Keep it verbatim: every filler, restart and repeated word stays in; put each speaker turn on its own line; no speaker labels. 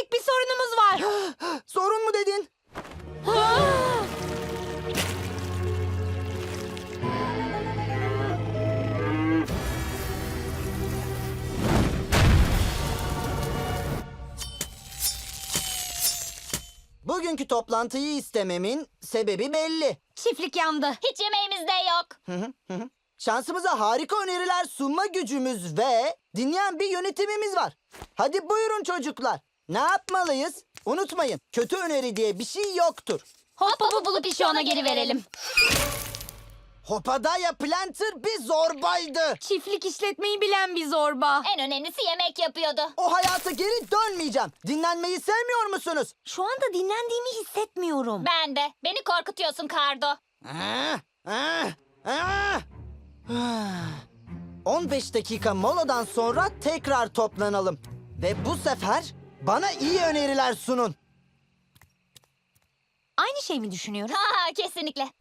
Büyük bir sorunumuz var.
Sorun mu dedin? Bugünkü toplantıyı istememin sebebi belli.
Çiftlik yandı.
Hiç yemeğimiz de yok.
Şansımıza harika öneriler sunma gücümüz ve dinleyen bir yönetimimiz var. Hadi buyurun çocuklar. Ne yapmalıyız? Unutmayın, kötü öneri diye bir şey yoktur.
Hop hopu bulup işi ona geri verelim.
Hopadaya Planter bir zorbaydı.
Çiftlik işletmeyi bilen bir zorba.
En önemlisi yemek yapıyordu.
O hayata geri dönmeyeceğim. Dinlenmeyi sevmiyor musunuz?
Şu anda dinlendiğimi hissetmiyorum.
Ben de. Beni korkutuyorsun Kardo.
Ah, ah, ah. on beş dakika moladan sonra tekrar toplanalım. Ve bu sefer bana iyi öneriler sunun.
Aynı şey mi düşünüyoruz?
Ha kesinlikle.